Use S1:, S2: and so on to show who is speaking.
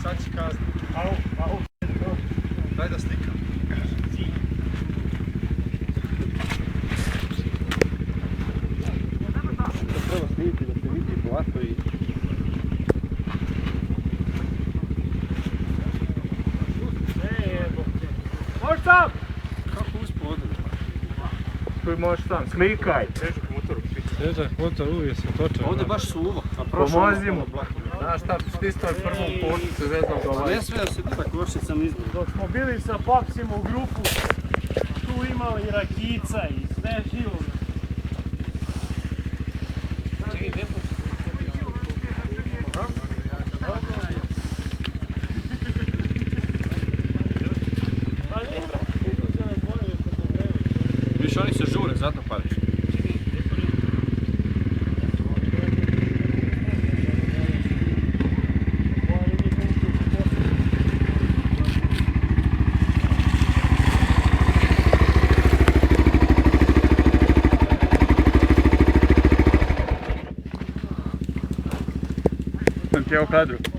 S1: Sad će kazni. Au. Daj da slikam. Treba snimiti da se vidi blato i...
S2: Možeš sam!
S1: Kako uspo odre?
S2: Koji možeš sam, slikaj!
S1: Težak motor uvijek se točan. Ovdje baš suvo.
S2: Pomozi mu! Znaš šta, stisno je prvom košnicu, vezam ga ovaj.
S1: Ne smije se da košnicam izbor.
S2: Dok smo bili sa Papsima u grupu, tu imali i rakica i sve živo.
S1: Čekaj, gdje početi? Viš, oni se žure, zato pališ.
S2: Sam ti je u kadru.